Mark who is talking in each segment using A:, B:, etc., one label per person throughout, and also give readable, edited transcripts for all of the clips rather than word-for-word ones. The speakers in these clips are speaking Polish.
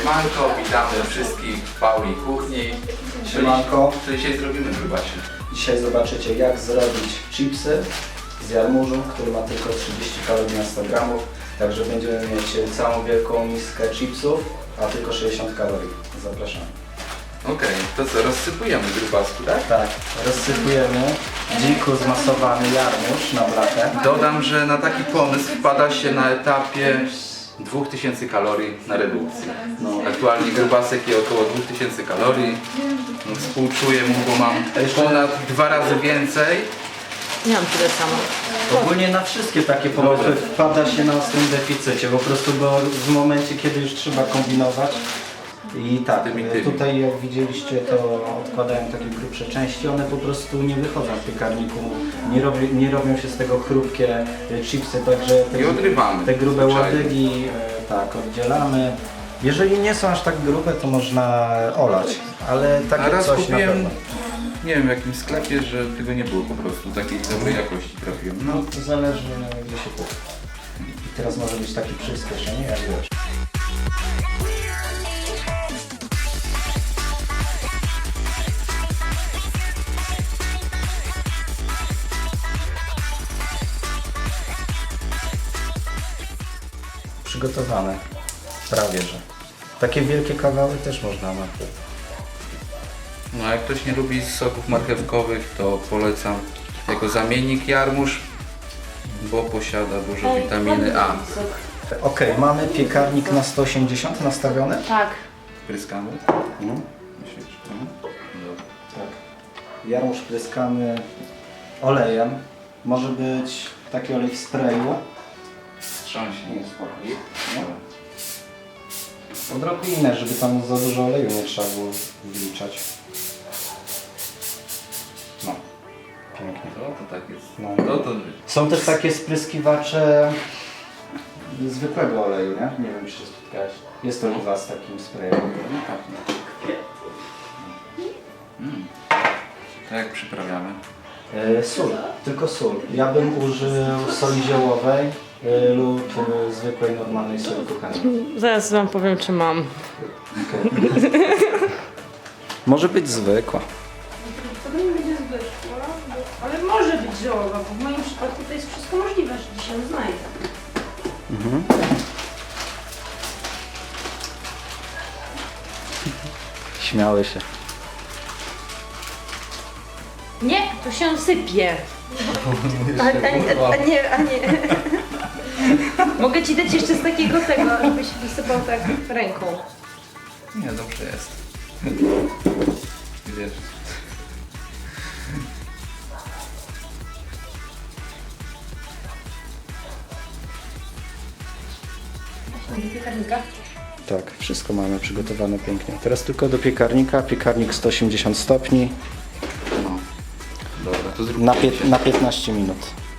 A: Siemanko, witamy wszystkich w Pauli Kuchni.
B: Siemanko.
A: Co dzisiaj zrobimy, grubasie?
B: Dzisiaj zobaczycie, jak zrobić chipsy z jarmużu, który ma tylko 30 kalorii na 100 gramów. Także będziemy mieć całą wielką miskę chipsów, a tylko 60 kalorii. Zapraszam.
A: Okej, to co, rozsypujemy grubasku, tak?
B: Tak, rozsypujemy dziku zmasowany jarmuż na blachę.
A: Dodam, że na taki pomysł wpada się na etapie 2000 kalorii na redukcji. Aktualnie grubasek je około 2000 kalorii. Współczuję mu, bo mam ponad 2 razy więcej.
C: Nie mam tyle samo.
B: Ogólnie na wszystkie takie pomysły wpada się na ostrym deficycie, po prostu bo w momencie, kiedy już trzeba kombinować. I tak, tutaj jak widzieliście, to odkładałem takie grubsze części, one po prostu nie wychodzą w piekarniku, nie robią się z tego chrupkie chipsy, także
A: I odrywamy.
B: te grube
A: zwyczajnie.
B: łodygi tak oddzielamy. Jeżeli nie są aż tak grube, to można olać, ale
A: A
B: takie
A: raz
B: coś na
A: kupiłem,
B: pewno.
A: nie wiem w jakim sklepie, że tego nie było po prostu, takiej dobrej jakości trafiłem.
B: No to zależy gdzie się kupi. I teraz może być taki przyspieszenie, jak wiesz. Przygotowane. Prawie że. Takie wielkie kawały też można napić.
A: No a jak ktoś nie lubi soków marchewkowych, to polecam jako zamiennik jarmuż, bo posiada dużo witaminy A.
B: Ok, mamy piekarnik na 180 nastawiony.
C: Tak.
A: Pryskamy? Myślisz?
B: Tak. Jarmuż pryskamy olejem. Może być taki olej w sprayu.
A: Wstrząśnij.
B: No. Odrobinę, żeby tam za dużo oleju nie trzeba było wliczać. No, pięknie.
A: To tak jest.
B: No.
A: To
B: Są też takie spryskiwacze zwykłego oleju, nie? Nie wiem, czy się spotkałeś. Jest to u Was takim sprayem.
A: tak jak przyprawiamy.
B: Sól, tylko sól. Ja bym użył soli ziołowej lub zwykłej, normalnej soli kuchennej.
C: Zaraz wam powiem, czy mam.
B: Może być zwykła.
D: To nie będzie zwykła, ale może być ziołowa, bo w moim przypadku to jest wszystko możliwe, że się znajdę.
B: Śmiały się.
C: Nie, to się sypie. A nie. Mogę ci dać jeszcze z takiego tego, żebyś wysypał tak ręką.
A: Nie, dobrze jest. Wiesz.
D: Piekarnika.
B: Tak, wszystko mamy przygotowane pięknie. Teraz tylko do piekarnika. Piekarnik 180 stopni
A: No. Dobra, to zróbmy
B: na 15 minut.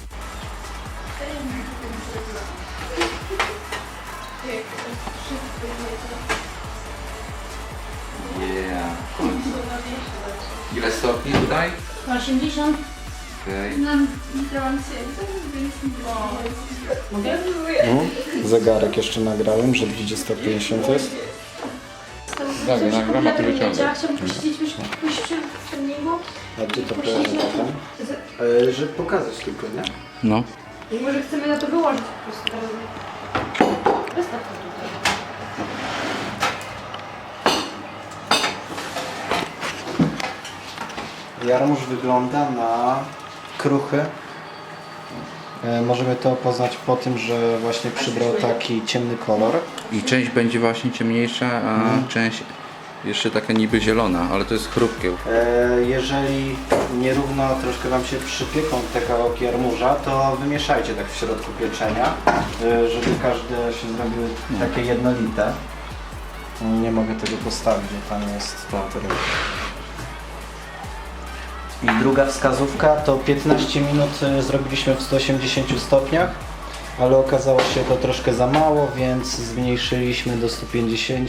A: Yeah. Ile stopni tutaj?
D: 80.
A: Okej.
D: Mogę?
B: Zegarek jeszcze nagrałem, że gdzie 150 jest.
A: Tak, nagram, a ty wyciągaj.
D: Ja chciałabym posiedzieć w treningu.
B: A gdzie to położę potem? Żeby pokazać tylko, nie?
A: No.
D: I może chcemy na to wyłożyć po prostu. Wystaw to tutaj.
B: Jarmuż wygląda na kruchy. Możemy to poznać po tym, że właśnie przybrał taki ciemny kolor.
A: I część będzie właśnie ciemniejsza, a część jeszcze taka niby zielona, ale to jest chrupkie.
B: Jeżeli nierówno troszkę Wam się przypieką te kawałki jarmuża, to wymieszajcie tak w środku pieczenia, żeby każde się zrobiły takie jednolite. Nie mogę tego postawić, bo tam jest to. I druga wskazówka to 15 minut zrobiliśmy w 180 stopniach, ale okazało się to troszkę za mało, więc zmniejszyliśmy do 150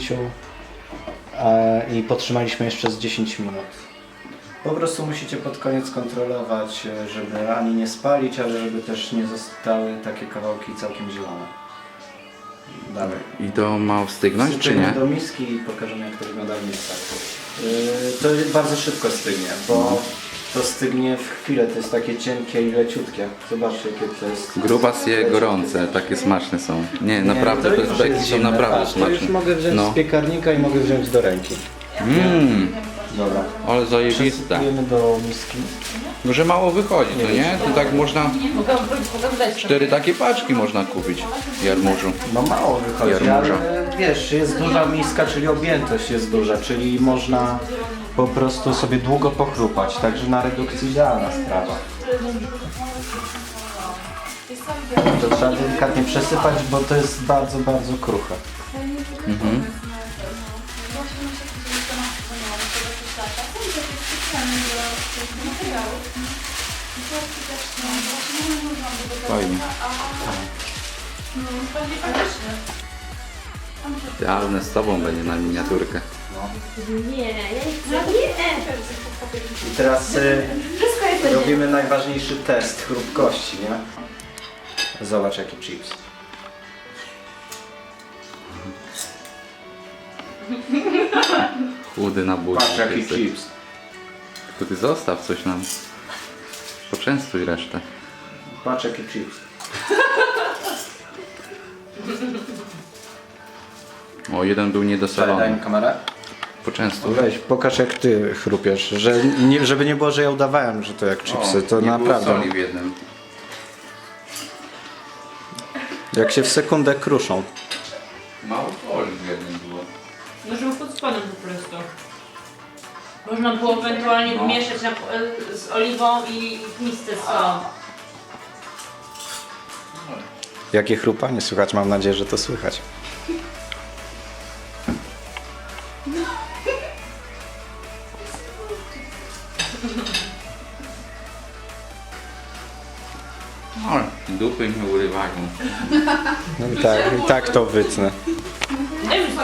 B: i potrzymaliśmy jeszcze z 10 minut. Po prostu musicie pod koniec kontrolować, żeby ani nie spalić, ale żeby też nie zostały takie kawałki całkiem zielone. Dawaj.
A: I to ma wstygnąć, czy
B: Wsypiemy
A: nie?
B: do miski i pokażemy, jak to wygląda w miskach. To bardzo szybko stygnie, bo to stygnie w chwilę. To jest takie cienkie i leciutkie. Zobaczcie, jakie to jest.
A: Grubasy gorące, takie smaczne są. Nie, naprawdę,
B: to
A: bez
B: już
A: beki
B: jest
A: są
B: zimne.
A: naprawdę
B: Patrz, to już
A: smaczne.
B: mogę wziąć
A: No.
B: z piekarnika i mogę wziąć do ręki. Dobra.
A: Ale zajebiste.
B: Przesypujemy do miski.
A: Że mało wychodzi, to nie? To tak można,
D: Mogę dać
A: 4 takie paczki można kupić jarmużu.
B: No mało wychodzi,
A: Jarmuża.
B: ale wiesz, jest duża miska, czyli objętość jest duża, czyli można po prostu sobie długo pochrupać, także na redukcji idealna sprawa. To trzeba delikatnie przesypać, bo to jest bardzo, bardzo kruche.
A: Fajnie. Idealne z tobą będzie na miniaturkę.
C: Nie, ja nie chcę. Nie!
B: I teraz robimy najważniejszy test chrupkości, nie? Zobacz jaki chips.
A: Chudy na buzi.
B: Patrz jaki chips.
A: To ty zostaw coś nam. Poczęstuj resztę.
B: Patrz jaki chips.
A: O, jeden był
B: Daj
A: niedosolony.
B: mi kamerę.
A: Poczęstuj.
B: Weź, pokaż jak ty chrupiesz, żeby nie było, że ja udawałem, że to jak chipsy, to
A: nie
B: naprawdę.
A: było soli w jednym.
B: Jak się w sekundę kruszą.
A: Mało soli w jednym było.
D: No żeby pod spodem po prostu. Można było ewentualnie wmieszać z oliwą i w misce z solą.
B: Jakie chrupanie słychać, mam nadzieję, że to słychać.
A: O, dupy mi urywają.
B: No i tak to wytnę.
D: Nie wiem,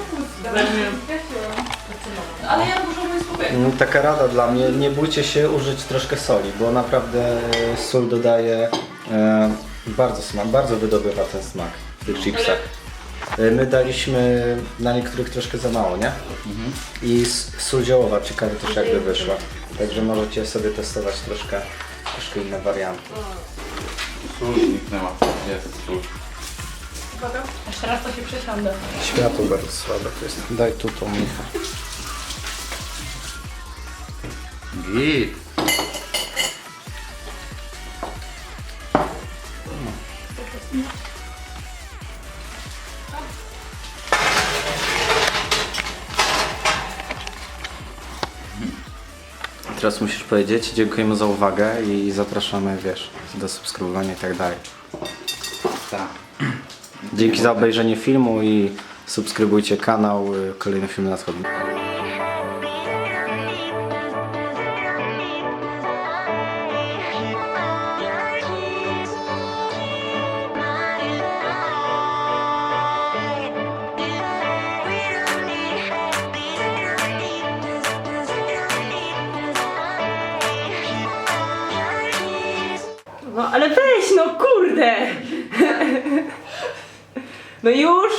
D: ale ja dużo mówię spokojnie.
B: Taka rada dla mnie, nie bójcie się użyć troszkę soli, bo naprawdę sól dodaje bardzo smak, bardzo wydobywa ten smak w tych chipsach. My daliśmy na niektórych troszkę za mało, nie? I sól ziołowa, ciekawe też jakby wyszła. Także możecie sobie testować troszkę inne warianty.
A: Sól zniknęła. Jest sól.
D: Jeszcze raz to się przesiądę.
B: Światło bardzo słabe to jest. Daj tu tą Micha.
A: Git.
B: Teraz musisz powiedzieć, dziękujemy za uwagę i zapraszamy, wiesz, do subskrybowania i tak dalej.
A: Tak.
B: Dzięki za obejrzenie filmu i subskrybujcie kanał, kolejne filmy nadchodzą.
D: No ale weź, no kurde! No już!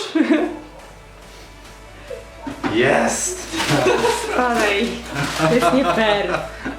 B: Jest!
D: Dalej. To jest nie fair.